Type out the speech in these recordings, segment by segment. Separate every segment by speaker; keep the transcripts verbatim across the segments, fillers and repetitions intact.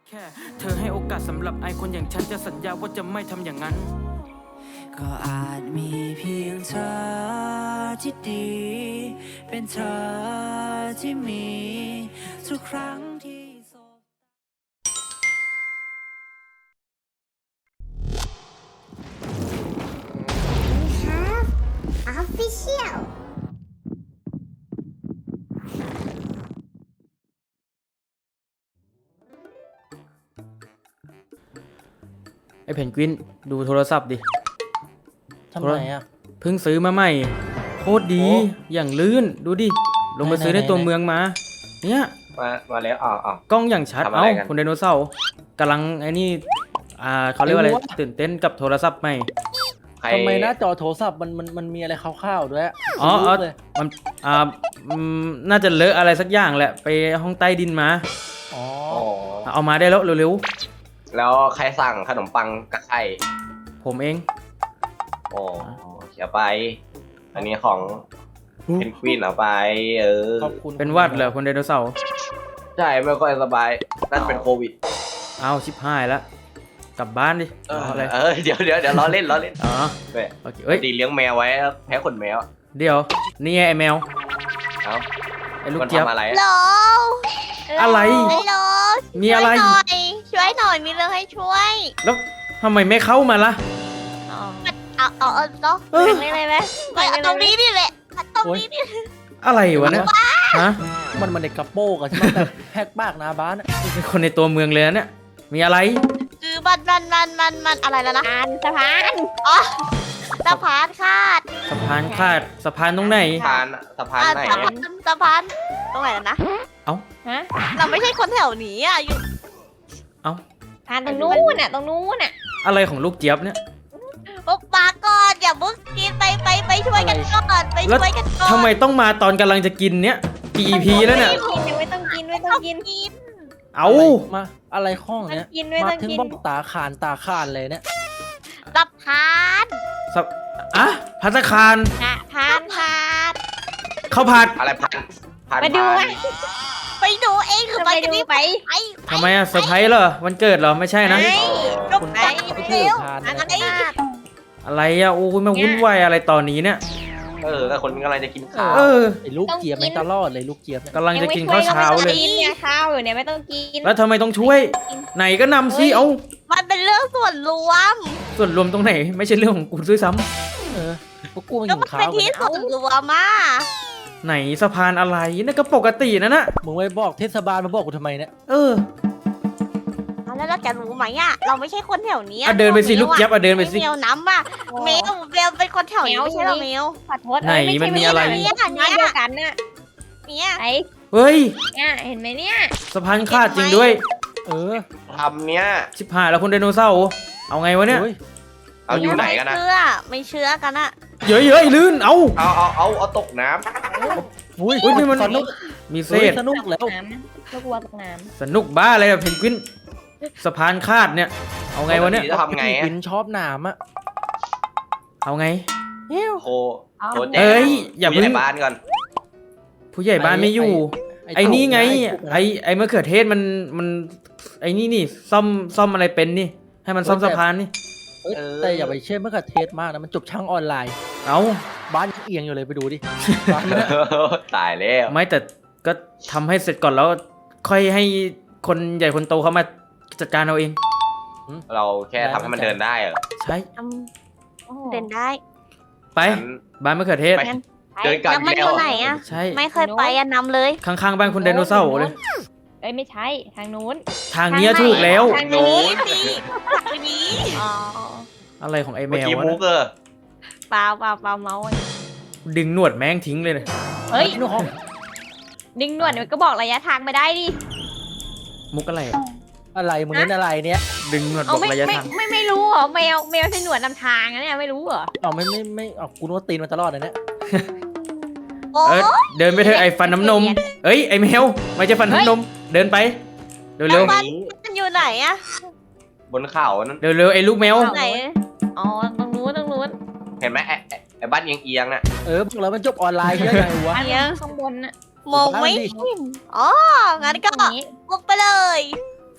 Speaker 1: แค่เธอให้โอกาสสำหรับไอคนอย่างฉันจะสัญญาว่าจะไม่ทำอย่างนั้น
Speaker 2: ก็อาจมีเพียงเธอที่ดีเป็นเธอที่มีทุกครั้งที่สบ
Speaker 3: We have official
Speaker 1: ไอเพนกวินดูโทรศัพท์ดิ
Speaker 4: ทำไมอ่ะ
Speaker 1: เพิ่งซื้อมาใหม่โคตรดี
Speaker 4: โอ้
Speaker 1: อย่างลื่นดูดิลงมา
Speaker 4: ไหนๆ
Speaker 1: ซื้อในตัว
Speaker 4: ไหนๆ
Speaker 1: เมืองมาเนี่ย
Speaker 5: มามาแล้วอ๋ออ๋อก
Speaker 1: ล้องอย่างชัด
Speaker 5: ทำอะ
Speaker 1: เอ้า
Speaker 5: ไรกัน
Speaker 1: คุณไดโนเสาร์กำลังไอ้นี่อ่าเขาเรียกว่าอะไร
Speaker 4: ไม่รู้อะ
Speaker 1: ตื่นเต้นกับโทรศัพท์ใหม่
Speaker 5: ใคร
Speaker 4: ทำไมหน้าจอโทรศัพท์มันมันมันมีอะไรคร่าวๆด้วย
Speaker 1: อ๋อ
Speaker 4: ไม่
Speaker 1: อ๋อ
Speaker 4: รู้เลย
Speaker 1: มันอ่าอืมน่าจะเลอะอะไรสักอย่างแหละไปห้องใต้ดินมา
Speaker 4: อ๋อ
Speaker 5: โอ้
Speaker 1: เอามาได้แล้วเร็ว
Speaker 5: แล้วใครสั่งขนมปังกับไข่
Speaker 1: ๆผมเอง
Speaker 5: โอ้เขียไป อันนี้ของเพนกวินเอาไป เออ
Speaker 4: ขอบคุณ
Speaker 1: เป็นหวัดเหรอคุณไดโนเสาร์
Speaker 5: ใช่ไม่ค่อยสบายน่าจะเป็นโควิด
Speaker 1: เอาชิบหายแล้วกลับบ้านดิ
Speaker 5: เออ
Speaker 1: รออะไร
Speaker 5: เออเดี๋ยวเดี๋ยวเดี๋ยวล้อเล่นล้อเล่น
Speaker 1: อ๋อ
Speaker 5: เว้ย
Speaker 1: โอเคเอ้ย
Speaker 5: ดีเลี้ยงแมวไว้แพ้ขนแมว
Speaker 1: เดี๋ยวนี่ไงไอแมว
Speaker 5: เอ้า
Speaker 1: ไอลูก
Speaker 5: มัน
Speaker 1: เจี๊ยบ
Speaker 5: ทำอะไร
Speaker 3: ฮัลโหล
Speaker 1: อะไร
Speaker 3: ฮัลโหล
Speaker 1: มีอะไร
Speaker 3: ช่วยหน่อยช่วยหน่อยมีเรื่องให้ช่วย
Speaker 1: แล้วทำไมไม่เข้ามาล่ะ
Speaker 3: เอาเอาเอาเนาะ
Speaker 1: เออ
Speaker 3: ไม่เลยไหมเอาตรงนี้นี่แหละเอาตรงนี้นี่
Speaker 1: อะไรวะเนี่ยฮะ
Speaker 4: มันมันในกระโปรงอะใช่ไหมแต่แฮกปากหนาบ้านอะ
Speaker 1: เป็นคนในตัวเมืองเลยนะเนี่ยมีอะไร
Speaker 3: คือมันมันมันมันมันอะไรแล้วนะสะพานอ๋อสะพานคาด
Speaker 1: สะพานขาดสะพานตรงไหน
Speaker 5: สะพานสะพาน
Speaker 3: อ่ะ
Speaker 5: ไหน
Speaker 3: สะพานสะพานตรงไหนแล้วนะ
Speaker 1: เอ้า
Speaker 3: ฮะเราไม่ใช่คนแถวนี้อ่ะอยู่
Speaker 1: เอ้า
Speaker 6: ทานตรงนู้นน่ะตรงนู้นน่ะ
Speaker 1: อะไรของลูกเจี๊ยบเนี่ย
Speaker 3: โอ้ปาก่อนอย่าเพิ่งกินไปไปไปช่วยกันก่อนไป
Speaker 1: แล้ว
Speaker 3: ช่วยกันก่อน
Speaker 1: ทำไมต้องมาตอนกำลังจะกินเนี่ยกี่ อี พี แล้วเนี่ย
Speaker 6: กินไม่ต้องกินไม่ต้องกิน
Speaker 3: กิน
Speaker 1: เอา
Speaker 4: มาอะไรข้อง
Speaker 6: ต้อ
Speaker 4: เนี้
Speaker 6: ง
Speaker 4: ย
Speaker 6: กินไม่
Speaker 4: มา
Speaker 6: ต้อง
Speaker 4: ถึง
Speaker 6: กิน
Speaker 4: บอกตาขานตาขานเลยเนี่ย
Speaker 3: สะพาน
Speaker 1: สะอะพัตตาคาร
Speaker 3: สะพานคาด
Speaker 1: ข้าวผัด
Speaker 5: อะไรพันพัน
Speaker 6: มาดู
Speaker 5: พั
Speaker 6: อ่ะ
Speaker 5: น
Speaker 3: ไปดูเองคือ
Speaker 6: ไป
Speaker 3: ไปกัน
Speaker 6: ดู
Speaker 3: นี่
Speaker 6: ไป
Speaker 3: ไป
Speaker 1: ทำไมอะเซอร์ไพรส์เหรอวันเกิดเหรอไม่ใช่นะ
Speaker 3: ไปก็ไปเร็ว
Speaker 4: ทาน
Speaker 3: อะไร
Speaker 1: อะไรอะโอ้ยมาวุ่นวายอะไรตอนนี้เนี่ย
Speaker 5: เออแต่คนกำลังจะกินข้าว
Speaker 1: เออ
Speaker 4: ไอ้ลูกเจี๊ยบไม่ตลอดเลยลูกเจี๊ยบเนี่ย
Speaker 1: กำลังจะกินข้าวเช้าเลย
Speaker 6: กินเนี่ยข้าวอยู่เนี่ยไม่ต้องกิน
Speaker 1: แล้วทำไมต้องช่วย ไหนก็นำสิเอา
Speaker 3: มันเป็นเรื่องส่วนรวม
Speaker 1: ส่วนรวมตรงไหน ไม่ใช่เรื่องของกูด้วยซ้
Speaker 4: เออพวกกูมา
Speaker 3: ก็
Speaker 4: กิน
Speaker 3: มัน
Speaker 4: ข้า
Speaker 3: เป็น
Speaker 4: ว
Speaker 3: ที่
Speaker 4: เนี่ย
Speaker 3: ส่วนรวมมา
Speaker 1: ำไหนสะพานอะไรนั่นก็ปกตินะน่ะ
Speaker 4: มึงไม่บอกเทศบาลมาบอกกูทำไมเนี่ย
Speaker 1: เออ
Speaker 3: แล้วเราจะรู้ไหมอ่ะเราไม่ใช่คนแถวนี้
Speaker 1: อ่ะเดินไปสิลูกเจี๊ยบอ่ะเดินไปสิ
Speaker 3: เมลน้ำอ่ะเมลเมลเป็นคนแถวนี้ไม่ใช่เหรอเมล
Speaker 6: ขอโทษ
Speaker 1: ไหนมันมีอะไร
Speaker 3: เนี่ย
Speaker 6: บ้าน
Speaker 3: เนี่ย
Speaker 6: เดียวกันน่ะ
Speaker 3: เนี่ย
Speaker 6: ไอ้
Speaker 1: เฮ้ย
Speaker 6: เนี่ยเห็นไหมเนี่ย
Speaker 1: สะพานขาดจริงด้วย
Speaker 4: เออ
Speaker 5: ทำเนี้ย
Speaker 1: ชิบหายแล้วคุณไดโนเสาร์เอาไงวะเนี่ย
Speaker 4: เฮ้ย
Speaker 5: เอาอยู่ไหนกันนะ
Speaker 3: ไม่เชื่อไม่เชื่อกันอะ
Speaker 1: เย้ยเย้ยลื่นเอา
Speaker 5: เอาเอาเอาเอาตกน้
Speaker 4: อุ้ย
Speaker 1: อุ๊ยนี่มัน
Speaker 4: สนุก
Speaker 1: มีเศ
Speaker 4: เฮ้ย
Speaker 1: ษ
Speaker 4: สนุกแล้ว
Speaker 6: น้ำลูกวัวตกน้
Speaker 1: สนุกบ้าอะไรอะเพนกวินสะพานขาดเนี่ย เอา
Speaker 5: ำ
Speaker 1: ไงวะเนี่ย
Speaker 5: จะทำไงอะ
Speaker 4: วินชอบหนามอะ
Speaker 1: เอาไง
Speaker 5: โทรโทรแจ้ง
Speaker 1: เอ้ยอย่าเพิ่ง
Speaker 5: ผู้ใหญ่บ้านก่อน
Speaker 1: ผู้ใหญ่บ้านไม่อยู่ ไอ้นี่ไง ไอ้ไอ้มะเขือเทศมันมันไอ้นี่นี่ซ่อมซ่อมอะไรเป็นนี่ ให้มันซ่อมสะพานนี่
Speaker 4: เอ้ยแต่อย่าไปเชื่อมะเขือเทศมากนะมันจบช่างออนไลน์
Speaker 1: เอา
Speaker 4: บ้านยังเอียงอยู่เลยไปดูดิบ้านเนี่ย
Speaker 5: ตายแล้ว
Speaker 1: ไม่แต่ก็ทำให้เสร็จก่อนแล้ว ค่อยให้คนใหญ่คนโตเขามาจัดการเอาเอง
Speaker 5: เราแค่ทำให้มันเดินได้เหรอ
Speaker 1: ใช่
Speaker 3: อืม
Speaker 6: ำ
Speaker 3: เดินได้
Speaker 1: ไป
Speaker 5: งั้น
Speaker 1: บ้านมะเขือเทศ
Speaker 5: ไป เดินกลับ
Speaker 3: แล้วมัน
Speaker 5: แล้
Speaker 3: อ
Speaker 5: ว
Speaker 3: ยู่ไหนอะ
Speaker 1: ใช่
Speaker 3: ไม่เคยไปอะนำเลย
Speaker 1: ข้างๆบ้านคุณไดโนเสาร์เลย
Speaker 6: เอ้ยไม่ใช่ทางนู้น
Speaker 1: ทางเนี้ยถูกแล้ว
Speaker 6: ทางนี้
Speaker 3: นี่ทางนี้
Speaker 6: อ๋อ
Speaker 1: อะไรของไอ้แม
Speaker 5: เมื่อ
Speaker 1: ว
Speaker 5: กี้
Speaker 1: วะ
Speaker 5: มุ
Speaker 1: เนี่ย
Speaker 5: กเออ
Speaker 6: เปล่าเปล่าเปล่าเมาส์
Speaker 1: ดึงหนวดแม่งทิ้งเลยเนี่ย
Speaker 6: เฮ้ย
Speaker 4: นู่นห้อง
Speaker 6: ดึงหนวดมันก็บอกระยะทางไม่ได้ดิ
Speaker 1: มุกอะไรอะ
Speaker 4: อะไรมึงเล่นอะไรเนี่ย
Speaker 1: ดึงหนวดบ
Speaker 6: เอา
Speaker 1: อก
Speaker 6: ไม่
Speaker 1: ระยะ
Speaker 6: ไม่
Speaker 1: ทาง
Speaker 6: ไม่ไม่รู้เหรอแมวแมวใช้หนวดนำทางนะเนี่ยไม่รู้เหรอ
Speaker 4: เอาไม่ไม่ไม่เอากูนึกว่าตีนมันตลอดเลยเนี่ย
Speaker 3: โอ้
Speaker 1: เออเดินไปเถอะไอ้ฟันน้ำนม เอ้ยไอ้แมวไม่ใช่ฟันน้ำนม เดินไปเร็ว
Speaker 3: แล้วมันมันอยู่ไหนอะ
Speaker 5: บนเขานั้น
Speaker 1: ๆเร็วๆไอ้ลูกแมว
Speaker 3: ไหน
Speaker 6: อ๋อตรงนู้นตรงนู้น
Speaker 5: เห็นไหมไอ้ไอ้ไอ้บ้านเอียงเอียงๆน่ะ
Speaker 4: เออบอกแล้วมันจบออนไลน์เยอะไงวะ
Speaker 6: อันนี้ข้างบนน่ะ
Speaker 3: มองไม่เห็นอ๋องั้นก็
Speaker 6: อย่างนี้
Speaker 3: บุกไปเลย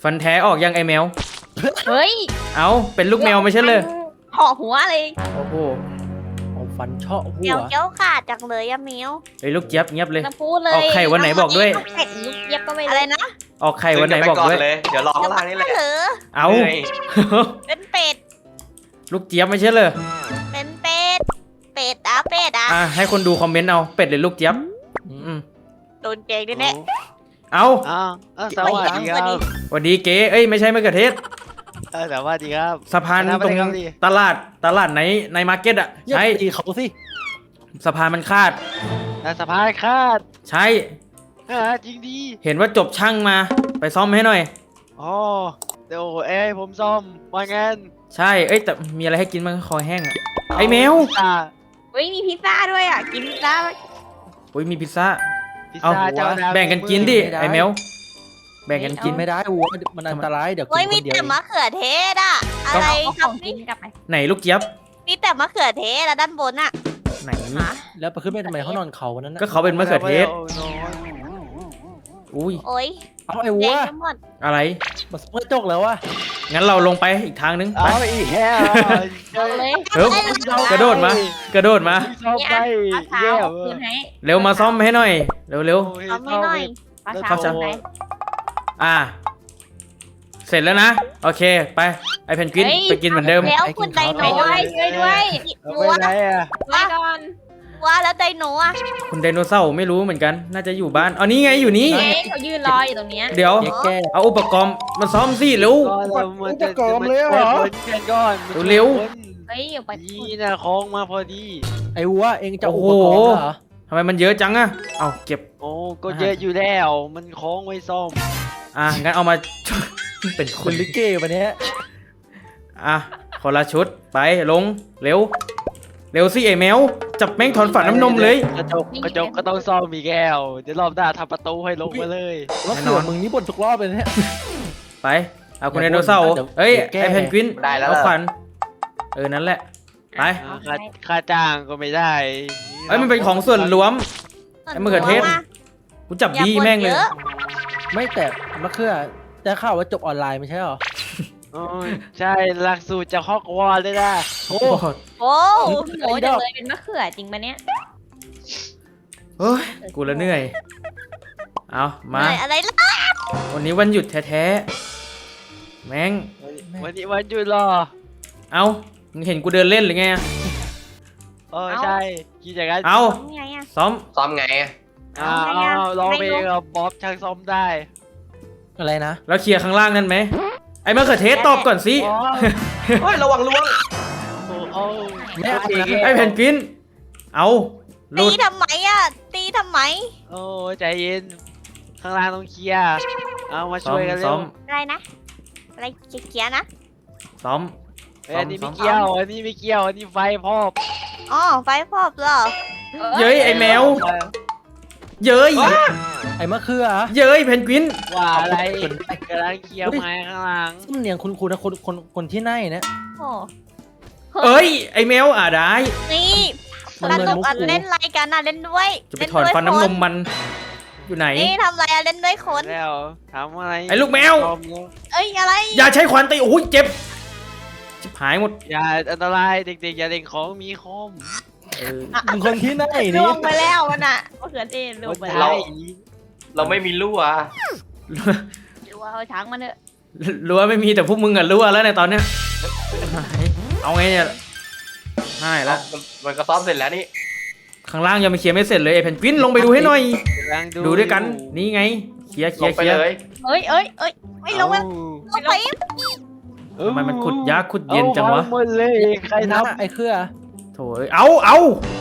Speaker 1: ฟันแท้ออกยังไอแมว
Speaker 6: เฮ้ย
Speaker 1: เอาเป็นลูกแมวไม่ใช่เลย
Speaker 6: เหาะหัวเลย
Speaker 1: โอ้โห
Speaker 4: เอาฟันเชาะหั
Speaker 3: เมียว
Speaker 4: ว
Speaker 3: เกี้ยวขาดจังเลยอะเมียว
Speaker 1: ไอ้ยลูกเจี๊ยบเงียบเลย
Speaker 6: จะพูดเลย
Speaker 1: ออกไข่วันไหนบอกด้วย
Speaker 6: เป็ดลูกเย็บก็ไม่
Speaker 3: อะไรนะ
Speaker 1: ออกไข่วันไหนบอกด้วย
Speaker 5: เลย เดี๋ยวรอข้างล่างนี่แหละ
Speaker 3: เหรอ
Speaker 1: เอา
Speaker 5: หนื่ย
Speaker 3: เป็นเป็ด
Speaker 1: ลูกเจี๊ยบไม่ใช่เลย
Speaker 3: เป็นเป็ด เป็ดอะเป็ดอะ
Speaker 1: อ่ะให้คนดูคอมเมนต์เอาเป็ดหรือลูกเจี๊ยบอืม
Speaker 3: โดนเกงด้วยแน่
Speaker 1: เอา
Speaker 7: อ้าวเอ้าสวัสดีครับ
Speaker 1: สวัสดีเก๋เอ้ยไม่ใช่มะเขือเทศ
Speaker 7: เออสวัสดีครับ
Speaker 1: สะพาน
Speaker 7: คณะ
Speaker 1: ตรง
Speaker 7: อะไรครับพี่
Speaker 1: ตลาดตลาดไหนในมาร์เก็ตอ่ะ
Speaker 4: อย่า
Speaker 1: ใช่
Speaker 4: ตีเขาสิ
Speaker 1: สะพานมันคาด
Speaker 7: แต่สะพายคาด
Speaker 1: ใช่
Speaker 7: อ่าจริงดี
Speaker 1: เห็นว่าจบช่างมาไปซ่อมให้หน่อย
Speaker 7: อ๋อเดี๋ยวเอ้ยผมซ่อมว่างั้น
Speaker 1: ใช่เอ้ยแต่มีอะไรให้กินบ้างคอแห้งอ่ะ ไอ้แมว
Speaker 7: พิซซ่า
Speaker 6: เฮ้ยมีพิซซ่าด้วยอ่ะ กินพิซซ่าไหม
Speaker 1: อุ้ยมีพิซซ่า
Speaker 7: พิซ
Speaker 1: เอา
Speaker 7: ซ่าเจ้าดาว
Speaker 1: แบ่งกันกินดิไอ้แมวแบ่งกันกิ
Speaker 4: กิ
Speaker 1: น
Speaker 4: นไม่ได้วัวมันอันตรายเดี๋ยวกิ
Speaker 3: เฮ้ย
Speaker 4: นค
Speaker 3: มี
Speaker 4: นเดียว
Speaker 3: แต่มะเขือเทศอะอะไร
Speaker 6: เอา
Speaker 3: ค
Speaker 6: ข
Speaker 3: รั
Speaker 6: อบ งกิ
Speaker 3: นี่
Speaker 6: นกลับไป
Speaker 1: ไหนลูกเจี๊ยบ
Speaker 3: มีแต่มะเขือเทศอะด้านบนอะ
Speaker 1: ไหน
Speaker 6: หา
Speaker 4: แล้วไปขึ้นไปทำไมเขานอนเขาวันนั้นนะ
Speaker 1: ก็เขาเป็นมะเขือเทศ
Speaker 7: โอ้โห
Speaker 1: อุ้ย
Speaker 3: โอ้ย
Speaker 4: เอาไอ้
Speaker 3: เจ๊
Speaker 4: วัว
Speaker 3: ทั้งหมด
Speaker 1: อะไร
Speaker 4: มาเมื่อจกแล้ววะ
Speaker 1: งั้นเราลงไปอีกทางนึงไป
Speaker 7: เอาอีกแค่
Speaker 6: เอาเลย
Speaker 1: เฮ้ยกระโดดมา กระโดดมา
Speaker 7: ซ่อม
Speaker 6: นี่
Speaker 7: ไป
Speaker 6: อ่ะปลาเท้า
Speaker 7: เยี่ย
Speaker 6: เอา
Speaker 7: ม
Speaker 6: คืนให้
Speaker 1: เร็วมาซ่อมให้หน่อย เร็วเร็ว
Speaker 3: เอาไม่หน่อย
Speaker 6: ปลา
Speaker 7: แล้ว
Speaker 6: เท้า
Speaker 1: เข้าใจ
Speaker 6: คืนให้
Speaker 1: ๆอ่า เสร็จแล้วนะ โอเคไปไอเพนกวินไปกินเหมือนเดิม
Speaker 3: แล้วคุณไดโน
Speaker 6: ช่วยด้วยช่วยด้วย
Speaker 7: เอา
Speaker 3: วัว
Speaker 7: ไปไหนอ่ะ
Speaker 6: ไว้ก่อน
Speaker 3: วัวแล้วไดโนอะ
Speaker 1: คุณไดโนเสาร์ไม่รู้เหมือนกัน น่าจะอยู่บ้านเอานี่ไงอยู่นี่
Speaker 6: เจ๊เขายืนรออยู่ตรงเนี้ย
Speaker 1: เดี๋ยว
Speaker 4: แยกแก้
Speaker 1: เอาอุปกรณ์มาซ่อมสิเร็ว
Speaker 7: ก็เรามันจะ
Speaker 4: อุปกรณ์เลยเหรอ
Speaker 7: มันจะคนก่อนมันจะ
Speaker 1: เร็ว
Speaker 7: คน
Speaker 6: เฮ้ยเอาไป
Speaker 7: นี่นะคล้องมาพอดี
Speaker 4: ไอ้วัวเองจะเอา
Speaker 1: โอ้
Speaker 4: อุ
Speaker 1: โห
Speaker 4: ปกรณ์เหรอ
Speaker 1: ทำไมมันเยอะจังอะเอาเก็บ
Speaker 7: โอ้ก็เยอะอยู่แล้ว มันคล้องไว้ซ่อม
Speaker 1: อ่ะงั้นเอามา เป็นค
Speaker 4: คุ
Speaker 1: น
Speaker 4: ณลิเกวันนี้
Speaker 1: อ่ะคนละชุดไปลงเร็ว เร็วสิไอแมวจับแม่งถอนฝันน้ำนมเลย
Speaker 7: กระจกกระจกก็ต้องซ่อมมีแก้ว เดี๋ยวรอบหน้าทำประตูให้ลงมาเลย
Speaker 4: แล้วเสือมึงนี่บ่นทุกรอบเลยเนี่ย
Speaker 1: ไปเอาคุณไดโนเสาร์
Speaker 4: เดี๋ยว
Speaker 1: เอ้ย
Speaker 4: เดี๋ยวแก้
Speaker 1: ไอเพนกวิน
Speaker 5: ได้แล้ว
Speaker 1: เอา
Speaker 5: เหรอ
Speaker 1: ขวัญเออนั่นแหละไป
Speaker 7: อ่าค่าค่าจ้างก็ไม่ได้
Speaker 1: เอ้ยมันเป็นของส่วนรวม ไอ้มะเขือเทศ กูจับ
Speaker 3: อย่า
Speaker 1: ดี
Speaker 3: บ่น
Speaker 1: แม่งเลย
Speaker 3: เยอะ
Speaker 4: ไม่แต่มะเขือได้ข่าวว่าจบออนไลน์ไม่ใช่หรอ
Speaker 7: โอ้ยใช่หลักสูตรจากฮอกวอตส์เลยนะ
Speaker 1: โอ้
Speaker 3: โอ้
Speaker 6: โอ้ยจังเลยเป็นมะเขือจริงปะเนี่ย
Speaker 1: เฮ้ยกูละเหนื่อยเอามา
Speaker 3: เหนื่อยอะไรล่ะ
Speaker 1: วันนี้วันหยุดแท้ๆแม่ง
Speaker 7: วันนี้วันหยุดรอ
Speaker 1: เอามึงเห็นกูเดินเล่นหรือไงอะ
Speaker 7: เออใช่กินอย่างนั้น
Speaker 1: เอา
Speaker 3: ยังไงอะ
Speaker 1: ซ้อม
Speaker 5: ซ้อมไงอะ
Speaker 7: อ่า
Speaker 3: เอาไงอะ
Speaker 7: เอาลองไป
Speaker 3: ไม่รู้
Speaker 7: กับบ๊อบช่างซ่อมได้
Speaker 4: อะไรนะ
Speaker 1: แล้วเคลียร์ข้างล่างนั่นไหมไอ้มะเขือเทศตอบก่อนสิ
Speaker 7: อ๋อ
Speaker 5: เฮ้ยระวังล่วง
Speaker 7: โอ้โอ้
Speaker 4: ไม่เอานะ
Speaker 1: ไอ้เพนกวินเอาหลุ
Speaker 3: ตี
Speaker 1: ด
Speaker 3: ทำไมอะตีทำไม
Speaker 7: โอ้ใจเย็น ข้างล่างต้องเคลียร์เอามา
Speaker 1: ซ้อ
Speaker 7: ช่
Speaker 1: ม
Speaker 7: วยกันเร็
Speaker 1: ซ้อ
Speaker 7: ว
Speaker 1: ม
Speaker 3: อะไรนะ อะไรเกียร์ๆนะ
Speaker 1: ซ้อม
Speaker 7: เอ้ยอันนี้
Speaker 1: ซ้
Speaker 7: ไม่
Speaker 1: อม
Speaker 7: เกี่ยว อันนี้ไม่เกี่ยว อันนี้ไฟพอบ
Speaker 3: อ๋อไฟพอบเหรอ
Speaker 1: เย้ยไอ้แมว เย้ย
Speaker 4: ไอ้มะเขือ
Speaker 1: เย้ยเพนกวิน
Speaker 7: ว่าอะไรกำลังเคลียร์ไม้ข้างล่าง
Speaker 4: สำเนียงคุณคุณนะคนคนคนที่ไหนเนี่ย
Speaker 3: โอ้
Speaker 1: เอ้ยไอ้แมวอ่ะได้
Speaker 3: นี่
Speaker 4: มัน
Speaker 3: ส
Speaker 4: เหมือน
Speaker 3: นุก
Speaker 4: มุก
Speaker 3: อ่ะ
Speaker 4: กู
Speaker 3: เล่นอะไรกันอ่ะเล่นด้วย
Speaker 1: จะไปถอนฟันน้ำนมมันอยู่ไหน
Speaker 3: นี่ทำอะไรอ่ะเล่นด้วยคน
Speaker 7: แล้วถามอะไร
Speaker 1: ไอ้ลูกแมว
Speaker 7: พร้อแล้ว
Speaker 3: เอ้ยอะไร
Speaker 1: อย่าใช้ขวานตีโอ้ยเจ็บชิบหายหมด
Speaker 7: อย่าอันตรายเด็กๆ อย่าเล่นของมีคม
Speaker 1: เออ
Speaker 4: มึงคนที่ไหน
Speaker 3: ล
Speaker 4: นี่
Speaker 3: วงไปแล้วมันอ่ะมะเขือเทศลวงไป
Speaker 7: เรา
Speaker 3: แล้ว
Speaker 5: เราไม่มีรั่ว
Speaker 3: ดูว่าเอาช้างมาเถอะ
Speaker 1: รั้วไม่มีแต่พวกมึงอะรั้วแล้วในตอนเนี้ยเอาไงเนี่ยง่ายละ
Speaker 5: มันมันก็ซ้อมเสร็จแล้วนี่
Speaker 1: ข้างล่างยังไม่เคลียร์ไม่เสร็จเลยไอ้เพนกวินลงไปดูให้หน่อย
Speaker 7: กำลัง
Speaker 1: ดูด้วยกันนี่ไงเคลียร์เค
Speaker 5: ล
Speaker 1: ลีย
Speaker 5: ง
Speaker 1: ร์
Speaker 5: ไป
Speaker 1: เคลียร์
Speaker 5: เลย
Speaker 3: เอ้ยเอ้ยเอ้ยไม่ลงไปลงไป
Speaker 1: ทำไมมันขุดยากขุดเย็นจังวะ
Speaker 7: อาหมดเลยใคร
Speaker 4: ไอ้
Speaker 7: ท
Speaker 4: นั่นอะไอ้เขือ
Speaker 1: โถ่เอ้ยเอาเอา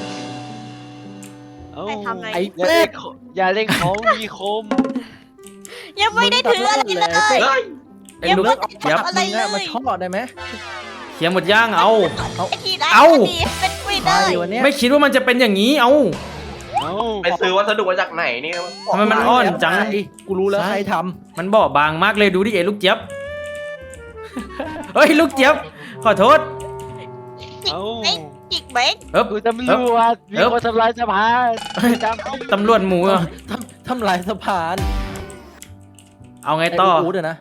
Speaker 7: ำเอ้า
Speaker 3: ไปทำอะไร
Speaker 4: ไอ้
Speaker 7: อย่าเล่นของอย่าเล่นของมีคม
Speaker 3: ยังไม่ได้ถืออะไรเลย
Speaker 5: เฮ้ย
Speaker 1: ไอ้ลูก
Speaker 3: ยังไม่ได้
Speaker 1: ยับ
Speaker 3: ทำอะไร
Speaker 4: มึง
Speaker 3: เล
Speaker 4: อะมาย ชอบได้ไหม
Speaker 1: เคลียร์หมดย่างเอา
Speaker 3: ไอ้ทีไร
Speaker 1: เอ้า
Speaker 3: ดีเป็นกุยเล
Speaker 4: ตาย
Speaker 3: ย
Speaker 4: วันเนี้ย
Speaker 1: ไม่คิดว่ามันจะเป็นอย่างนี้เอา
Speaker 7: เอ้า
Speaker 5: ไปซื้อวัสดุมาจากไหนนี่
Speaker 1: ทำไมมันอ่อนจัง
Speaker 4: ไอ้กูรู้แล้ว
Speaker 1: ใช่
Speaker 4: ใครท
Speaker 1: มันบอบบางมากเลยดูดิไอ้ลูกเจี๊ยบ เฮ้ยลูกเจี๊ยบขอโทษ
Speaker 7: เอ้า
Speaker 3: ไอ้จิกเบ๊ก
Speaker 1: เอ๊บ
Speaker 7: กูตำรวจมี
Speaker 1: เอ๊บ
Speaker 7: คนทำลายสะพานจำที่
Speaker 1: ตำรวจหมูอะ
Speaker 4: ำทำทำลายสะพาน
Speaker 1: เอาไงต่อ
Speaker 4: ไอูดอะนะ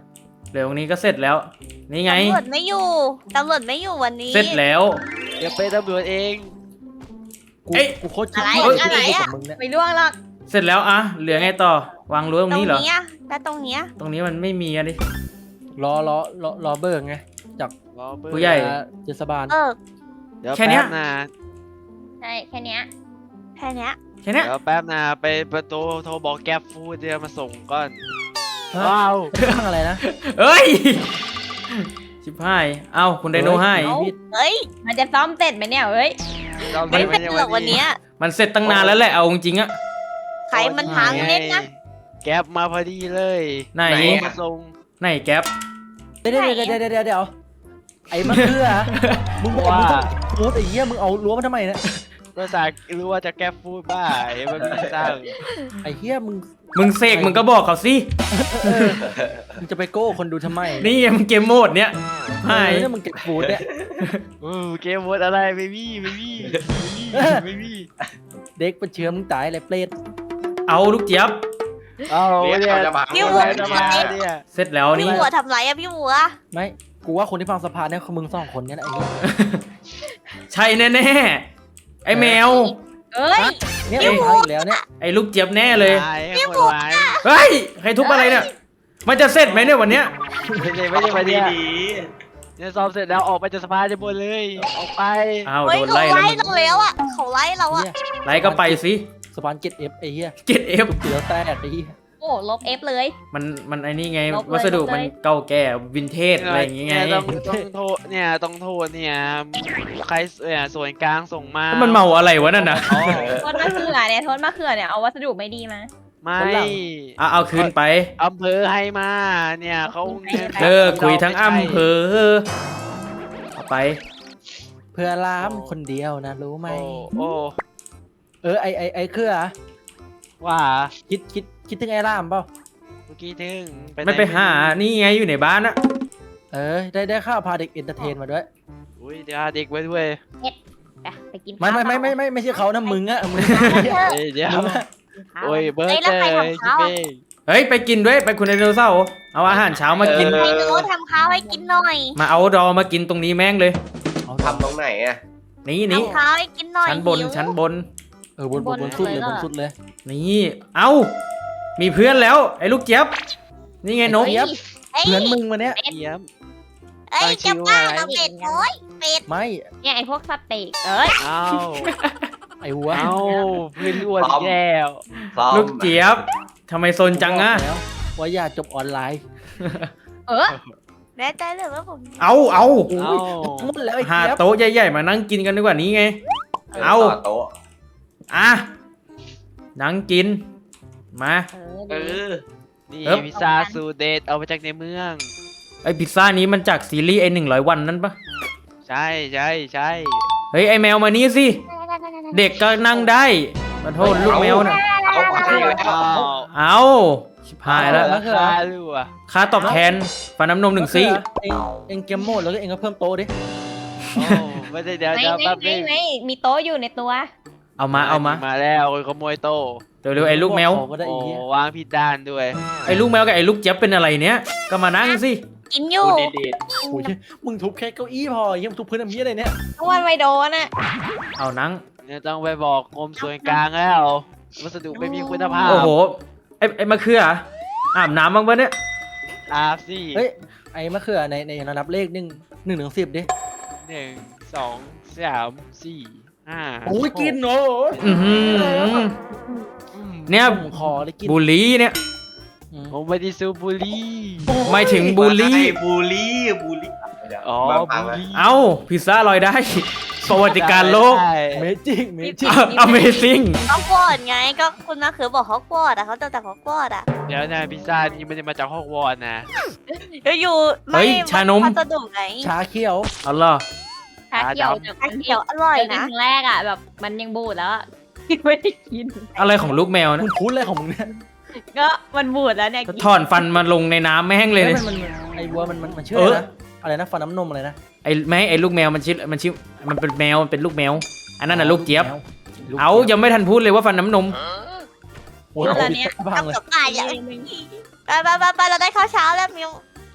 Speaker 1: เดี๋ยวตรงนี้ก็เสร็จแล้ว นี่ไง
Speaker 3: ตำรวจไม่อยู่ตำรวจไม่อยู่วันนี้
Speaker 1: เสร็จแล้ว
Speaker 7: เดี๋ยวเป็นตำรวจเอง
Speaker 4: กู
Speaker 1: เอ้ย
Speaker 4: กูโคตรคิด
Speaker 3: อะไร
Speaker 4: ว่า
Speaker 3: อะไร
Speaker 4: กู
Speaker 3: อะ
Speaker 4: กับมึงเนี่ย
Speaker 6: ไม่ล่วงหรอก
Speaker 1: เสร็จแล้วอะเหลือไงต่อ วางรั้วตรง
Speaker 3: ตรง
Speaker 1: นี้เหรอ
Speaker 3: เนี้ยแล้วตรงเนี้ย
Speaker 1: ตรงนี้มันไม่มีอะดิ
Speaker 4: รอรอรอรอเบิกไงจาก
Speaker 7: รอเบอร์
Speaker 1: ผู้ใหญ่
Speaker 4: เทศบาล
Speaker 3: เออ
Speaker 7: เดี๋ยว
Speaker 1: แค่เนี้
Speaker 7: แป๊
Speaker 1: ย
Speaker 7: บนะ
Speaker 6: ใช่แค่เนี้ย
Speaker 3: แค่เนี้ย
Speaker 1: แค่เนี้ย
Speaker 7: เดี๋ยวแป๊บนะไปประตูโทรบอกแก๊ปฟูดเดี๋ยวมาส่งก่อน
Speaker 4: ฮะ
Speaker 7: ว้าว
Speaker 4: ตั้งอะไรนะ
Speaker 1: เอ้ย ชิบหาย เอาคุณไดโนให้
Speaker 4: เฮ้ย
Speaker 3: เฮ้ย
Speaker 6: มันจะซ้อมเสร็จไหมเนี่ยเฮ้ย
Speaker 7: เรา
Speaker 3: ไม่
Speaker 7: ไม่
Speaker 3: เป็นหรอกวันเนี้ย
Speaker 1: มันเสร็จตั้งนานแล้วแหละ เอาจริงๆอะ
Speaker 3: ใครมันพังเล่นนะ
Speaker 7: แก๊ปมาพอดีเลย
Speaker 1: ไหน
Speaker 7: มาส่ง
Speaker 1: ไหนแก๊ป
Speaker 4: เดี๋ยวเดี๋ยวเดี๋ยวเดี๋ยวเดี๋ยวเดี๋ยวไอ้มะเขือมึงบอกมึงต้องพูดไอ้เหี้ยมึงเอารั้วมาทำไมเนี่ย
Speaker 7: ก็จากรู้ว่าจะแก๊ปฟูดบ้าไอ้มันไม่สร้าง
Speaker 4: ไอ้เหี้ยมึง
Speaker 1: มึงเสกมึงก็บอกเขาสิ
Speaker 4: เออมึงจะไปโก้คนดูทำไม
Speaker 1: นี่ไงมึงเกมโหมดเนี้ย
Speaker 4: เอ
Speaker 1: หาย
Speaker 4: อเนี่ยมึงเก็บฟูดเนี่ย
Speaker 7: เออเกมวดอะไรไม่มีไม่มีไม่มีไม่มี
Speaker 4: เด็กเป็นเชื้อมึงตายเลยเปรต
Speaker 1: เอาลูกเจี๊ยบ
Speaker 7: เอา
Speaker 5: เรียก
Speaker 7: เนี่ย
Speaker 5: เขาจะมา
Speaker 3: พี่
Speaker 7: เอา
Speaker 3: วัว
Speaker 7: ไว้จะมาเนี่ย
Speaker 1: เสร็จแล้ว
Speaker 3: พี่
Speaker 1: นี่
Speaker 3: วัวทำไรอะพี่วัว
Speaker 4: ไม่กูว่าคนที่ฟังสภาเนี่ยคือมึงสองคนเนี่ยแหละไอ้เหี้ย
Speaker 1: ใช่แน่ๆ ไอ้แมว
Speaker 6: เอ้ย
Speaker 4: เนี่ยมึงพังอีกแล้วเนี่ย
Speaker 1: ไอ้ลูกเจี๊ยบแน่เลย
Speaker 7: ตายให้คนร้าย
Speaker 1: เฮ้ย ใครทุบอะไรเนี่ย มันจะเสร็จไหมเนี่ยวันเนี้ย
Speaker 7: ไม่ใช่ไม่ใช่มาเนี่ย
Speaker 5: ดี
Speaker 7: เนี่ยซ้อมเสร็จแล้วออกไปจากสภาจะบนเลยออกไป
Speaker 1: อ้าว
Speaker 3: เฮ้ย
Speaker 1: โดน
Speaker 3: เขา
Speaker 1: ไล่แล้ว
Speaker 3: ไล่
Speaker 1: มึง
Speaker 3: เราแล้วอะเขาไล่เราอะ
Speaker 4: เนี่ย
Speaker 1: ไล่ก็ไปสิ
Speaker 4: สปานเก็ตเอฟไอ้เหี้ย
Speaker 1: เก็ตเอฟ
Speaker 4: เสือแตกไอ้เหี้ย
Speaker 6: โอ้ลบเอฟเลย
Speaker 1: มันมันไอ้นี่ไง
Speaker 6: ลบเลย
Speaker 1: วัสดุ
Speaker 6: ลบเลย
Speaker 1: มันเก่าแก่วินเทจอะไรอย่างงี้ไง
Speaker 7: เนี่ยต้องต้องโทษเนี่ยต้องโทษเนี่ยใครเนี่ยส่วนกลางส่งมา
Speaker 1: แล้วมันเมาอะไรวะนั่นน่ะ
Speaker 7: อ๋อ
Speaker 6: โทษมะเขือเนี่ยโทษมะเขือเนี่ยเอาวัสดุไม่ดีมา
Speaker 7: ไม่
Speaker 1: เอาเอาคืนไป
Speaker 7: อำเภอให้มาเนี่ยเขา
Speaker 1: เลิกคุยทั้งอำเภอ เอาไป
Speaker 4: เพื่อล้ามคนเดียวนะรู้ไหม
Speaker 7: โอ้โอ้
Speaker 4: เออไอไอไอเครือ
Speaker 7: ว่า
Speaker 4: คิดคิดคิดถึงไอ้ล่ามเปล่า
Speaker 7: เมื่อกี้ถึงหน
Speaker 1: ไม่ไปหา นี่ไงอยู่ในบ้านอะ
Speaker 4: เออได้ได้ข้าวพาเด็กเอนเตอร์เทนมาด้วย
Speaker 7: อุ้ยเดี๋ยวหาเด็กไว้ด้วย
Speaker 6: ไปไปกิน
Speaker 4: ไม่ไม่
Speaker 6: ข้าว
Speaker 4: ไม่ไม่ไม่ไม่ใช่เขานะมึงอะมึง
Speaker 7: เอ้ยเดี๋ยว
Speaker 4: มึงอะ
Speaker 6: กินข้าว
Speaker 7: โอ้ยเบิร์ด
Speaker 3: เอ้ยแล้ว
Speaker 7: เจ
Speaker 3: ใคร
Speaker 7: อ
Speaker 3: ทำ
Speaker 7: ชิ
Speaker 3: ข้าว
Speaker 7: เป้
Speaker 3: อะ
Speaker 1: เฮ้ยไปกินด้วยไปคุณไดโนเสาร์เอาอาหารเช้ามากิน
Speaker 3: ไอ้โน้ตทำข้าวให้กินหน่อย
Speaker 1: มาเอาดอมากินตรงนี้แม่งเลย
Speaker 4: เอา
Speaker 5: ทำตรงไหนอ่ะ
Speaker 1: นี่นี่
Speaker 3: ทำข้าวให้กินหน่อย
Speaker 1: ชั้นบน
Speaker 3: หิว
Speaker 1: ชั้นบน
Speaker 4: เออบนบนบนสุดเลยบนสุดเลย
Speaker 1: นี่ เอามีเพื่อนแล้ว ไอ้ลูกเจี๊ยบ นี่ไงนก
Speaker 4: เจี๊ยบ
Speaker 3: เอ้ย
Speaker 4: เพื่อนมึงมาเนี้ย
Speaker 7: เยี่ยม
Speaker 3: เอ้ย
Speaker 7: ตั้งชื่
Speaker 3: จะ
Speaker 7: อ
Speaker 3: บ้า
Speaker 7: ว่าอะไร
Speaker 3: เราเป็ดโอ้ยเป็ด
Speaker 4: ไม่
Speaker 6: เนี่ยไอพวกสเต็กเอ้ย
Speaker 7: เอา
Speaker 4: ไอ้หัว
Speaker 7: เอาเพื่อนอ้วนอีกแล้ว
Speaker 5: ซ้อม
Speaker 1: ลูกเจี๊ยบทำไมซนจังอะ
Speaker 4: บอกแล้วว่าอย่าจบออนไลน์
Speaker 6: เออ
Speaker 3: แน่ใจเลยว่าผม
Speaker 1: เอาเอา
Speaker 4: โอ้
Speaker 7: เอา
Speaker 4: ยหมดแล้วไอ้
Speaker 1: หา
Speaker 4: เจี๊ยบ
Speaker 1: โต๊ะใหญ่ๆมานั่งกินกันดีกว่านี้ไง เอา
Speaker 5: ต่โต๊ะ
Speaker 1: อ่ะนั่งกิน มา
Speaker 3: เออ
Speaker 5: เอ
Speaker 3: ดี
Speaker 5: อ
Speaker 7: นี่
Speaker 1: เอิบ
Speaker 7: พิซซ่าสูตรเด็ดเอามาจากในเมือง
Speaker 1: ไอพิซซ่านี้มันจากซีรีส์ไอหนึ่งร้อยวันนั่นปะ
Speaker 7: ใช่ใช่ใช่
Speaker 1: เฮ้ยไอแมวมานี่สิ เด็กก็นั่งได้มาโทษลูกแมวน่ะ
Speaker 5: เอาไปแล้ว
Speaker 7: อ้าว
Speaker 1: เอาชิบหายแล้ว
Speaker 7: ราคาลูกอ่ะ
Speaker 1: ค่าตอบแทนฟันน้ำนมหนึ่งซี่
Speaker 4: เองเองเกมโหมดแล้วก็เองก็เพิ่มโตะดิ
Speaker 7: โอ้ไม่ได้เดี๋ยว
Speaker 6: ไม่
Speaker 7: เดี๋ยว
Speaker 6: ไม่
Speaker 7: แป๊บ
Speaker 6: ไม่
Speaker 7: นึง
Speaker 6: ไม่มีโต๊ะอยู่ในตัว
Speaker 1: เอามาเอามา
Speaker 7: มาแล้วคนขโมยโต๊ะ
Speaker 1: เร็วๆไอ้ลูกแมว
Speaker 4: ขอก็ได้
Speaker 7: โอ้
Speaker 4: ไอ้เหี้ยว
Speaker 7: างผิดด้านด้วย
Speaker 1: ไอ้ลูกแมวกับไอ้ลูกเจี๊ยบเป็นอะไรเนี้ยก็มานั่งสิ
Speaker 3: กินอยู่
Speaker 5: ดูดี
Speaker 4: โอ้ยมึงทุบแค่เก้าอี้พอยังทุบพื้นทำเหี้ยอะไรเนี่ย
Speaker 6: เพราะวันไม่โดนอ่ะ
Speaker 1: เอานั่ง
Speaker 7: เนี่ยต้องไปบอกกรมส่วนกลางแล้ววัสดุไม่มีคุณภาพ
Speaker 1: โอ้โหไอ้ไอ้มะเขืออาบน้ำบ้างปะเนี่ย
Speaker 7: อาบสิ
Speaker 4: เฮ้ยไอ้มะเขือในในระดับเลขหนึ่งหนึ่งถึงสิบดิ
Speaker 7: หนึ่งสองสามสี่ห้า
Speaker 4: โอ้ยกินโอ้ย
Speaker 1: อือหือ
Speaker 7: อืม
Speaker 1: เนี่ย
Speaker 4: ผมขอเลยกิน
Speaker 1: บูลลี่เนี่ย
Speaker 4: อืม
Speaker 7: ผมไม่ได้ซูบุรี
Speaker 1: ไม่ถึงบูลลี่
Speaker 5: บูลลี่บูลลี่
Speaker 7: อ๋อ
Speaker 5: มา
Speaker 7: บุ
Speaker 5: พังแล้ว
Speaker 7: รี
Speaker 1: เอ้าพิซซ่าลอยได้ ประวัติการโลก
Speaker 7: ได้
Speaker 4: เมจิกเมจิก
Speaker 1: Amazing
Speaker 3: เขากอดไงก็คุณมาคือบอกเขากอดอ่ะเขาจะแต่เขากอดอ่ะ
Speaker 7: เดี๋ยวนะพิซซ่านี่ไม่ได้มาจากฮอกวอตส์นะ
Speaker 3: เดี๋ยวอยู่
Speaker 1: เฮ้ยชานม
Speaker 3: พัสดุไง
Speaker 4: ชาเขียว
Speaker 1: เอาล่ะ
Speaker 6: ชาเขียวจาก
Speaker 3: ชาเขียวอร่อย
Speaker 6: เจอกัน
Speaker 3: นะ
Speaker 6: ครั้งแรกอ่ะแบบมันยังบูดแล้วอะไม่ได้กิน
Speaker 1: อะไรของลูกแมว
Speaker 4: มึ
Speaker 1: นะ
Speaker 4: งพูดอะไรของมึงเนี่ย
Speaker 6: ก็มันบูดแล้วเนี่ย
Speaker 1: ถอนฟันมาลงในน้ำแม่งเลย
Speaker 4: ฮ้
Speaker 1: เนี่ย
Speaker 4: มันมันไอ้วัวมันมันมันชื่อ
Speaker 1: เอ
Speaker 4: อะไร
Speaker 1: อ
Speaker 4: นะอะไรนะฟันน้ำนมอะไรนะ
Speaker 1: ไอ้แม่ไอ้ลูกแมวมันชื่อมันชื่อมันเป็นแมวมันเป็นลูกแมว อันนั้นน่ะลูกเจี๊ยบ
Speaker 4: ลูก
Speaker 1: เอายังไม่ทันพูดเลยว่าฟันน้ำนม
Speaker 4: โอ้ย
Speaker 6: แล้วเนี่ย
Speaker 4: พัง
Speaker 3: ต้อง
Speaker 4: เลย
Speaker 3: กับป่าอย่างไปไปไปไปเราได้ข้าวเช้าแล้วมิว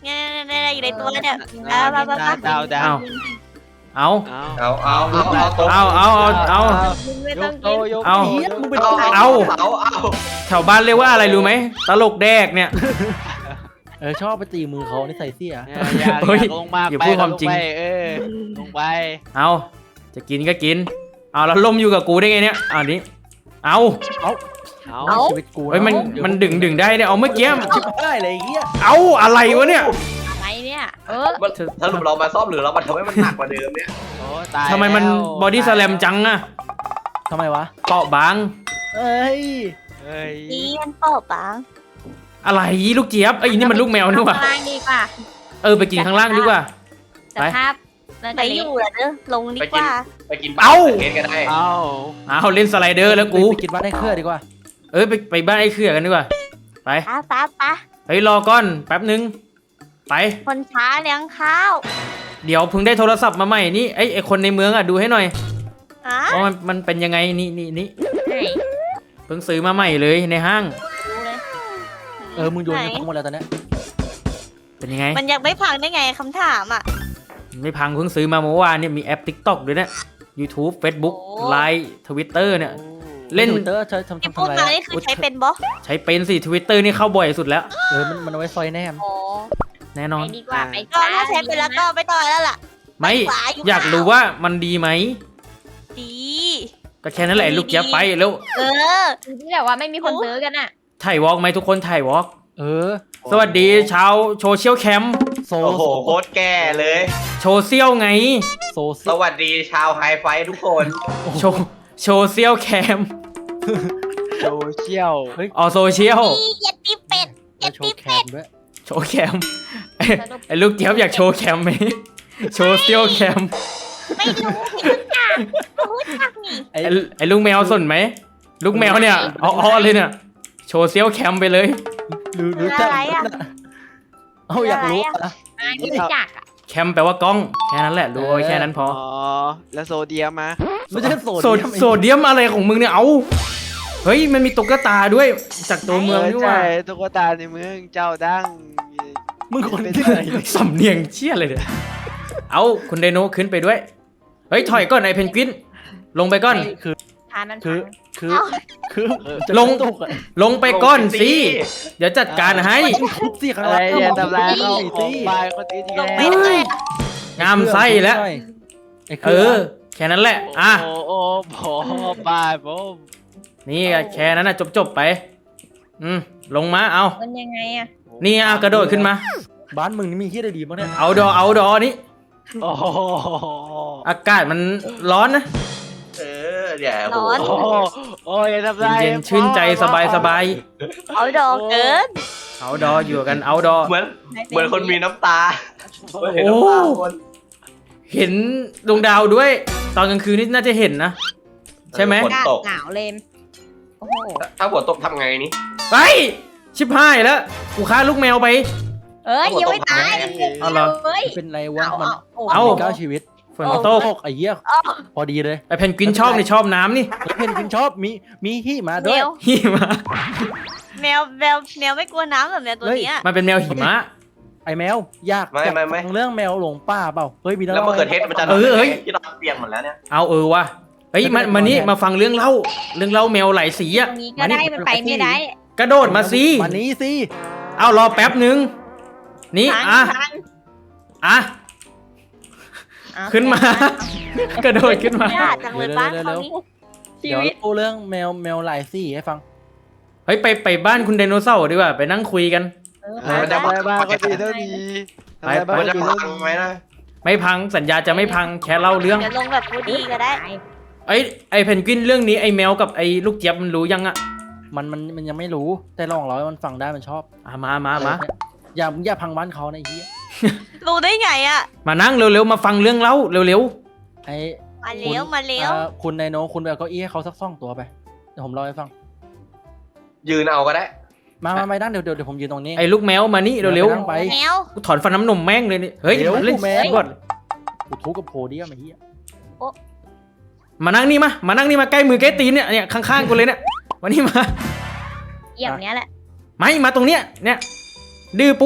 Speaker 3: เนี่ยเนี่ยเนี่ยอยู่ในตัวเนี่ย
Speaker 7: ดาว
Speaker 3: เอาเอาเอา
Speaker 7: ดาวดาว
Speaker 1: เอา
Speaker 7: เอา
Speaker 5: เอาเอาเอาเอาตรง
Speaker 1: เอาเอาเอาเอา
Speaker 6: มึงไม่
Speaker 7: ย
Speaker 6: ต้อง
Speaker 7: กโต
Speaker 6: กิน
Speaker 7: ยก
Speaker 1: เอา
Speaker 4: เฮียมึงเป็น
Speaker 5: เอา
Speaker 4: ใคร
Speaker 5: เอาเอาเอา
Speaker 1: แถวบ้านเรียกว่าอะไรรู้ไหมตลกแดกเนี่ย
Speaker 4: เออชอบไปตีมือเขานี่ใส่เสีย
Speaker 7: เนี่ยอยาก
Speaker 1: เฮ้ย
Speaker 7: อยากลงมา
Speaker 1: อย่า
Speaker 7: ไป
Speaker 1: พูดความจริง
Speaker 7: ลไปเออลงไป
Speaker 1: เอาจะกินก็กิน เอาแล้วล่มอยู่กับกูได้ไงเนี่ยเอานี้เอา
Speaker 7: เอา
Speaker 4: เอาชีวิตกูะ
Speaker 1: เฮ้ยมันมันดึงดึงได้เนี่ยเอาเมื่อกี้
Speaker 4: ชิบได้เลยไอ้เฮีย
Speaker 1: เอาอะไรวะเนี่ย
Speaker 6: อะไรเนี่ย เออ
Speaker 5: มันถ้าเรามาซ่อมหรือเรามาทำให้มันหนักกว่าเดิมเนี่ย
Speaker 7: โอ้ตาย
Speaker 1: ทำไมมัน
Speaker 7: แล้ว
Speaker 1: บอดี้สแลมจังอะ
Speaker 4: ทำไมวะ
Speaker 1: เปราะบาง
Speaker 4: เอ้ย
Speaker 7: เอ้ย
Speaker 3: นี่มันเปล่าปัง
Speaker 1: อะไรลูกเจี๊ยบไอ้ยนี่มันลูกแมวนี่หว่า
Speaker 6: ข้างล่างดีกว่า
Speaker 1: เออไปกินข้างล่างดีกว่า
Speaker 6: สภาพน่า
Speaker 3: ไป
Speaker 6: จะ
Speaker 3: อ
Speaker 6: เละ
Speaker 3: ยู่เหรอเด้อลงดีกว่า
Speaker 5: ไปกิน
Speaker 1: เอา
Speaker 5: เกนก็ได้
Speaker 7: เอา
Speaker 1: เอาเล่นสไลเดอร์แล้วกู
Speaker 4: ไปกินบ้านได้เครือดีกว่า
Speaker 1: เอ้ยไปไปบ้านไอ้เขื่อกันดีกว่าไป
Speaker 3: ป้าป้าป้า
Speaker 1: เฮ้ยรอก่อนแป๊บนึงไป
Speaker 3: คนช้าเลี้ยงข้าว
Speaker 1: เดี๋ยวเพิ่งได้โทรศัพท์มาใหม่นี่ไอ้ไอ้คนในเมืองอ่ะดูให้หน่อย
Speaker 3: อ่ะ
Speaker 1: ว่ามันมันเป็นยังไงนี่นี่นี่
Speaker 6: ไหน
Speaker 1: เพิ่งซื้อมาใหม่เลยในห้าง
Speaker 3: ดูเลย
Speaker 4: เออมึงโยนกันทั้งหมดแล้วตอนเนี้ย
Speaker 1: เป็นยังไง
Speaker 3: มันยังไม่พังได้ไงคำถามอ่ะ
Speaker 1: ไม่พังเพิ่งซื้อมาเมื่อวานเนี่ยมีแอป TikTok ด้วยเนี่ย YouTube Facebook
Speaker 3: โอ้
Speaker 1: Line Twitter เนี่ย เล่น
Speaker 4: ทวิตเตอร์ใช้ทำ
Speaker 3: ที่
Speaker 4: ทำ
Speaker 3: พูด
Speaker 4: ทำอะไร
Speaker 3: มา
Speaker 4: อะ
Speaker 3: นี่คือใช้เป็นบอส
Speaker 1: ใช้เป็นสิ Twitter นี่เข้าบ่อยสุดแล้ว
Speaker 4: เออมันมันเอาไว้ซอยแนม
Speaker 3: โอ้
Speaker 1: แน่นอ
Speaker 6: ไป
Speaker 1: น
Speaker 6: ดีกว่าไป
Speaker 3: ก็ถ้าใช้เป็นแล้วก็ไม่ต่อยแล้วล่ะ
Speaker 1: ไม่
Speaker 3: ขวาอยู่
Speaker 1: อยากรู้ว่ามันดีไหม
Speaker 3: ดี
Speaker 1: ก็แค่นั้นแหละ
Speaker 3: ดี
Speaker 1: ลูกเจี๊ยบ
Speaker 3: ดี
Speaker 1: ไปแล้ว
Speaker 3: เออ
Speaker 6: ที่แบบว่าไม่มีคนซื้อกันอ่ะ
Speaker 1: ถ่ายวอล์กไหมทุกคนถ่ายวอล์ก
Speaker 4: เออ
Speaker 1: สวัสดีชาวโซเชียลแคมป์
Speaker 4: โซ
Speaker 5: โอ้โหโคตรแก่เลย
Speaker 1: โซเชียลไง
Speaker 4: โซซิ
Speaker 5: สวัสดีชาวไฮไฟทุกคน
Speaker 1: โชโซเชียลแคมป์
Speaker 7: โซเชียล
Speaker 1: อ๋อโซเชียล
Speaker 3: นี่เย็ดตีเป็ด
Speaker 4: แล้วโชว์แคมด้วย
Speaker 1: โชว์แคมไอ้ไอ้ลูกเจี๊ยบอยากโชว์แคมไหมโชว์เซียวแคม
Speaker 3: ไม่รู้ไม่รู้จักไม่รู้จักนี่
Speaker 4: ไอ้
Speaker 1: ไอ้ไอ้ลูกแมวสนไหมลูกแมวเนี่ยเอาเอาเลยเนี่ยโชว์เซียวแคมไปเลย
Speaker 4: รู้รู้จัก
Speaker 3: อะไรอะ
Speaker 4: เอาอยากรู้
Speaker 3: อะไรอะ
Speaker 4: อะ
Speaker 6: ไม่รู้จักอ่ะ
Speaker 1: แคมแปลว่ากล้องแค่นั้นแหละรู้เอาไว้แค่นั้นพอ
Speaker 7: อ๋อแล้วโซเดียมมา
Speaker 4: ไม่ใช่โซ
Speaker 1: โซโซเดียมอะไรของมึงเนี่ยเอาเฮ้ยมันมีตุ๊กตาด้วยจากตัวเมืองด้วยว่ะ
Speaker 7: ใช่ตุ๊กตาในเมืองเจ้าดัง
Speaker 4: มึงคนที่ไหน
Speaker 1: สำเนียงเชี่ยเลยเนี่ยเอาคุณไดโนขึ้นไปด้วยเฮ้ยถอยก่อนไอ้เพนกวินลงไปก่อน
Speaker 4: คือ
Speaker 6: ทานมัน
Speaker 4: คือ
Speaker 6: พัง
Speaker 4: คือคือจะ
Speaker 1: ลง
Speaker 4: ตกอะ
Speaker 1: ลงไปก่อนสิเดี๋ยวจัดการให้
Speaker 4: ทุบสิข้าง
Speaker 7: อะไร
Speaker 4: ล่าง
Speaker 7: อย่าทำร้าย
Speaker 4: เขา
Speaker 7: เขาของบายคนอื่นอีก
Speaker 3: ลงไป
Speaker 7: แล้ว
Speaker 3: เลย
Speaker 1: งามไส้แล้ว
Speaker 4: ไอ้
Speaker 1: เออ แค่นั้นแหละอ่ะ
Speaker 7: โอ้โอ้โอ้บายผม
Speaker 1: นี่แค่นั้นนะจบจบๆไป อืม ลงมา เอา
Speaker 6: มันยังไงอ่ะ
Speaker 1: นี่เอากระโดดขึ้นมา
Speaker 4: บ้านมึงนี่มีที่อะไรดีบ้างเนี่ย
Speaker 1: เอาดอ เอาดอนี่
Speaker 7: โอ้โห
Speaker 1: อากาศมันร้อนนะ
Speaker 5: เออเดี๋ยวโอ้
Speaker 7: โอ้โหโอ้ยอย่าทำร้าย
Speaker 1: เย็นๆชื่นใจสบายสบาย
Speaker 3: เอาดอกเกิน
Speaker 1: เอาดออยู่กัน เอาดอ
Speaker 5: เหมือนเหมือนคนมีน้ำตา
Speaker 1: โอ้
Speaker 5: เห็นน้ำตาคน
Speaker 1: เห็นดวงดาวด้วย ตอนกลางคืนนี่น่าจะเห็นนะ ใช่ไหม
Speaker 5: ฝนตก
Speaker 6: หนาวเลยโอ้โห
Speaker 5: ถ้าฝนตกทำไงนี่
Speaker 1: ไปชิบหายแล้ว กูฆ่าลูกแมวไป
Speaker 6: เอ้ยยังไม่ตาย
Speaker 1: เอาเหรอ
Speaker 6: เฮ้ย
Speaker 4: เป็นไรวะมัน
Speaker 1: เอา
Speaker 4: มีเก้าชีวิต
Speaker 1: ฝนตก
Speaker 4: ตกไอ้เหี้ย
Speaker 3: อ้อ
Speaker 4: พอดีเลย
Speaker 1: ไอเพนกวินชอบนี่ชอบน้ำนี่
Speaker 4: แล้วเพนกวินชอบมีมีที่มา
Speaker 3: แม
Speaker 4: ด้วย
Speaker 3: ว
Speaker 1: หิมะ
Speaker 3: แมวแมวแมวไม่กลัวน้ำแบบแมวตัวเนี้ย
Speaker 1: มันเป็นแมวหิมะ
Speaker 4: ไอ้แมวอยาก
Speaker 5: ไม่
Speaker 4: อยาก
Speaker 5: ไม่ไม่
Speaker 4: ฟังเรื่องแมวหลงป่าเปล่าเฮ้ยมีน้อง
Speaker 5: แล้วมะเขือเทศมันจะ
Speaker 1: เออเอ้ย
Speaker 5: ที่เราเปลี่ยนหมดแล้วเนี่ย
Speaker 1: เอาเออว่ะเฮ้ยมามานี่มาฟังเรื่องเล่า เรื่องเล่าแมวหลายสีอะ
Speaker 6: ตรงนี้ก็ได้มันไปไม่ได้
Speaker 1: กระโดดมาสิ
Speaker 4: วันนี้สิ
Speaker 1: เอารอแป๊บนึง นี่
Speaker 3: ทาง
Speaker 1: อ่ะ
Speaker 3: ทาง
Speaker 1: อ่ะ
Speaker 6: เอ
Speaker 1: ขึ้นมา กระโดดขึ้นมา
Speaker 3: ยากจังเลยบ้านเขานี่
Speaker 6: ชี
Speaker 4: เดี๋ยว
Speaker 6: วิต
Speaker 4: เล่าเรื่องแมวแมวหลายสีให้ฟัง
Speaker 1: เฮ้ยไปไปบ้านคุณไดโนเสาร์ดีกว่าไปนั่งคุยกัน
Speaker 6: เออ
Speaker 7: ทำอะไรบ้างก็ดีเท่าดีทำอะไรบ้าง
Speaker 5: มัน
Speaker 7: ก็
Speaker 5: จะ
Speaker 7: ดี
Speaker 5: พั
Speaker 7: เท่าง ดี
Speaker 5: ไหมนะ
Speaker 1: ไม่พังสัญญาจะไม่พังแค่เล่าเรื่อง
Speaker 3: เดี๋ยวลงแบบพูดดีก็ได้
Speaker 1: ไอ้ยไอ้เพนกวินเรื่องนี้ไอ้แมวกับไอ้ลูกเจี๊ยบมันรู้ยังอะ
Speaker 4: มันมันมันยังไม่รู้แต่ลองเราให้มันฟังได้มันชอบ
Speaker 1: อ่ะมามามา
Speaker 4: อย่าอย่าพังบ้านเขานะไอ้เหี้ย
Speaker 3: รู้ได้ไงอ่ะ
Speaker 1: มานั่งเร็วๆมาฟังเรื่องเล่าเร็ว
Speaker 4: ไอ้
Speaker 3: มาเลี้ยวมาเลี้ยว
Speaker 4: อ่าคุณไดโนคุณไปเอาเก้าอี้ให้เขาสักสองตัวไปเดี๋ยวผมเล่าให้ฟัง
Speaker 5: ยืนเอาก็ได้
Speaker 4: มามาไม่นั่งเดี๋ยวเดี๋ยวเดี๋ยวผมยืนตรงนี้
Speaker 1: ๆไอ้ลูกแมวมานี่เร็ว
Speaker 4: นั่งไป
Speaker 3: แมว
Speaker 1: ๆกูถอนฟันน้ำนมแม่งเลยนี่เฮ้ย
Speaker 4: เดี๋ยว
Speaker 1: เล่น
Speaker 4: แมว
Speaker 1: ก่อน
Speaker 4: กูทุบกับโพเดียมไอ้เหี้ย
Speaker 1: มานั่งนี่มามานั่งนี่มาใกล้มือใกล้ตีนเนี่ยเนี่ยข้างๆกูเลยเนี่ยมานี่มา
Speaker 6: อย่างเนี้ยแหละ
Speaker 1: ไม่มาตรงเนี้ยเนี่ยดื้อปุ๊บ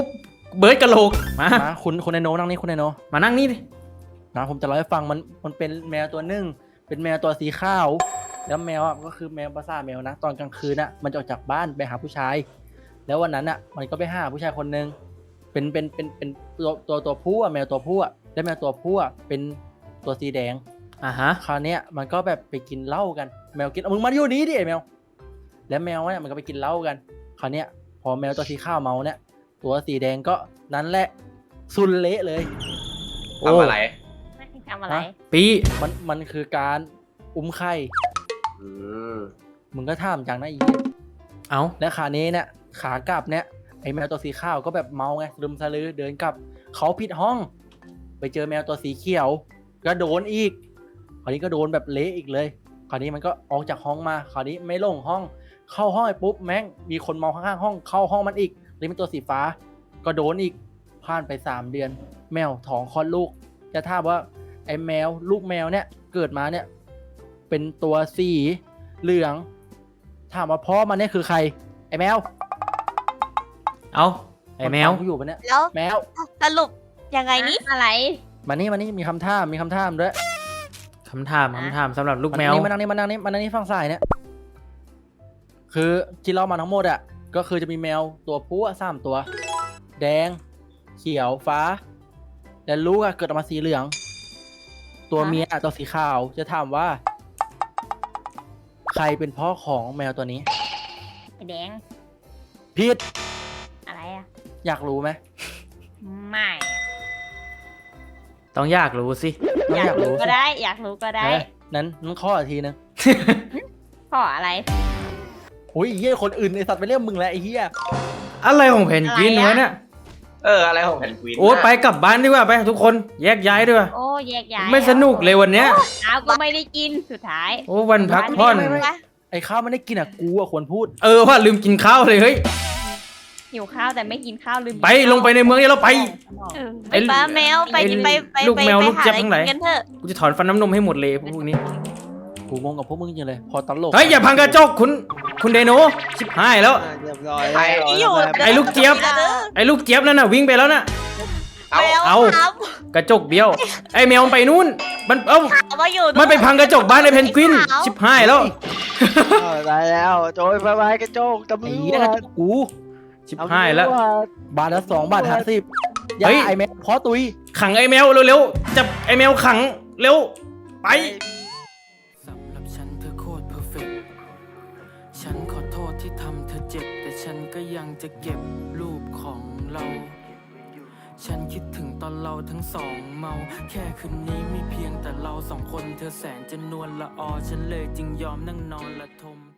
Speaker 1: เบิร์ดกะโหลกมา
Speaker 4: นะคุณคุณไอโนนั่งนี่คุณไอโน
Speaker 1: มานั่งนี่ดิ
Speaker 4: นะผมจะเล่าให้ฟังมันมันเป็นแมวตัวหนึ่งเป็นแมวตัวสีขาวแล้วแมวอ่ะก็คือแมวภาษาแมวนะตอนกลางคืนน่ะมันจะออกจากบ้านไปหาผู้ชาย แล้ววันนั้นอ่ะมันก็ไปหาผู้ชายคนหนึ่งเป็นเป็นเป็นเป็นตัวตัวตัวผู้อ่ะแมวตัวผู้อ่ะแล้วแมวตัวผู้อ่ะเป็นตัวสีแดง
Speaker 1: อ่าฮะ
Speaker 4: คราวเนี้ยมันก็แบบไปกินเหล้ากันแมวกินเอามึงมาอยู่นี้ดิไอ้แมวแล้วแมวเนี่ยมันก็ไปกินเหล้ากันคราวเนี้ยพอแมวตัวสีขาวเมาเนี่ยตัวสีแดงก็นั้นแหละสุนเละเลย
Speaker 1: โอ้
Speaker 5: ทำอะไร
Speaker 6: ไม่ทำอะไร
Speaker 1: ปี
Speaker 4: มันมันคือการอุ้มไข่
Speaker 5: อืม
Speaker 4: มึงก็ถามจังนะอีเหี้ย
Speaker 1: เอา
Speaker 4: และขานี้เนี่ยขากลับเนี่ยไอ้แมวตัวสีขาวก็แบบเมาไงลืมสลือเดินกลับเขาผิดห้อง ไปเจอแมวตัวสีเขียวก็โดนอีกคราวนี้ก็โดนแบบเละอีกเลยคราวนี้มันก็ออกจากห้องมาคราวนี้ไม่ลงห้อง เข้าห้องไปปุ๊บแม่งมีคนเมาข้างๆห้องเข้าห้องมันอีกเลยเป็นตัวสีฟ้า ก็โดนอีกผ่านไปสามเดือน แมวท้องคลอดลูกจะถามว่าไอ้แมวลูกแมวเนี่ยเกิดมาเนี่ยเป็นตัวสีเหลืองถามว่าพ่อมันเนี่ยคือใครไอ้แมว
Speaker 1: เอาไอ้แมว
Speaker 4: คนฟังกูอยู่ปะเนี่ย
Speaker 3: แล้ว
Speaker 4: แมว
Speaker 3: สรุปยังไงนี่
Speaker 6: อะไร
Speaker 4: มานี่มานี่มีคำถามมีคำถามด้วย
Speaker 1: คำถามคำถามสำหรับลูกแมว
Speaker 4: มานั่งนี่มานั่งนี่มานั่งนี่ฝั่งซ้ายเนี่ยคือที่เรามาทั้งหมดอ่ะก็คือจะมีแมวตัวผู้อะสามตัว แดง เขียวฟ้าแต่ลูกอะเกิดออกมาสีเหลือง ตัวเมียอะตัวสีขาวจะถามว่า ใครเป็นพ่อของแมวตัวนี้
Speaker 6: ไอ้แดง
Speaker 4: พีท
Speaker 6: อะไรอ่ะ
Speaker 4: อยากรู้ไหม
Speaker 6: ไม่อะ
Speaker 1: ต้องอยากรู้สิ
Speaker 4: น้องอยาก ก
Speaker 6: อายรู้
Speaker 4: รู้
Speaker 6: ก็
Speaker 4: สิ
Speaker 6: ได้ อยากรู้ก็ได้
Speaker 4: เออนั้นนั้นข้ออีกทีนึง
Speaker 6: ขออะไร
Speaker 4: โอ้ยไอ้เหี้ยคนอื่นไอสัตว์ไปเรียกมึงแล้วไอ้เหี้ย
Speaker 1: อะไรของเพนกวิน
Speaker 6: อะไรอะ
Speaker 1: วะเนี่ย
Speaker 5: เอออะไรของแผ่นควีน
Speaker 1: โอ้ไปกลับบ้านดีกว่าไปทุกคนแยกย้ายดีกว่า
Speaker 6: โอ้แยกย้าย
Speaker 1: ไม่สนุกเลยวันเนี้ย
Speaker 6: อ้าวก็ไม่ได้กินสุดท้าย
Speaker 1: โอ้วันพักผ่อน
Speaker 4: ไม่ไม่ไม่ ไอ้ข้าวไม่ได้กินอ่ะกูอ่ะควรพูด
Speaker 1: เออว่าลืมกินข้าวเลยเฮ้ย
Speaker 6: หิวข้าวแต่ไม่กินข้าวลืมกิน
Speaker 1: ไป
Speaker 6: ข้าว
Speaker 1: ลงไปในเมืองเดี๋ยวเราไป
Speaker 6: เออ
Speaker 1: ไอ้
Speaker 3: ป้าแมวไป
Speaker 1: ไอ้
Speaker 3: ไปไป
Speaker 1: ลูก
Speaker 3: ไป
Speaker 1: แมว
Speaker 3: ไป
Speaker 1: ลูก
Speaker 3: หา
Speaker 1: เจี๊ยบ
Speaker 3: อะไร
Speaker 1: ทั้งหลาย
Speaker 3: กินกันเถอะ
Speaker 1: กูจะถอนฟันน้ำนมให้หมดเลยพวกนี้
Speaker 4: กูงงกับพวกมึงจริงเลย พอตลก
Speaker 1: เฮ้ยอย่าพังกระจกคุณคุณเดโนชิบหายแล้ว
Speaker 7: เรียบร้อย
Speaker 5: ไป
Speaker 3: ที่อยู่
Speaker 1: ไอ้ลูกเจี๊ยบ ไอ้ลูกเจี๊ยบนั่นน่ะวิ่งไปแล้วน่ะ
Speaker 5: เอา
Speaker 3: แมว
Speaker 1: เอา
Speaker 3: ครับ
Speaker 1: กระจกเบี้ยว ไอ้แมวมันไปนู่น มันเอ้า
Speaker 3: เอามาอยู่
Speaker 1: มันไปพังกระจกบ้านไอ้เพนกวิน ชิบหายแล้ว
Speaker 7: เออได้แล้วโจยไปไปกระโจกตำร
Speaker 4: ไอ้
Speaker 7: ว
Speaker 4: เหี้ยกระจ
Speaker 7: จ
Speaker 4: กกู
Speaker 1: ชิบหายแล้ว
Speaker 7: ตำรจ
Speaker 4: บาทละสองบาทห้าสิบอย่า
Speaker 1: เฮ้ย
Speaker 4: ไอ้แม่พอตุย
Speaker 1: ขังไอ้แมวเร็วๆจับไอ้แมวขังเร็ว ไป
Speaker 2: สำหรับฉันเธอโคตรเพอร์เฟกฉันขอโทษที่ทำเธอเจ็บ แต่ฉันก็ยังจะเก็บรูปของเรา ฉันคิดถึงตอนเราทั้งสองเมา แค่คืนนี้มีเพียงแต่เราสองคนเธอแสนจะนวลละออ ฉันเลยจึงยอมนั่งนอนละทม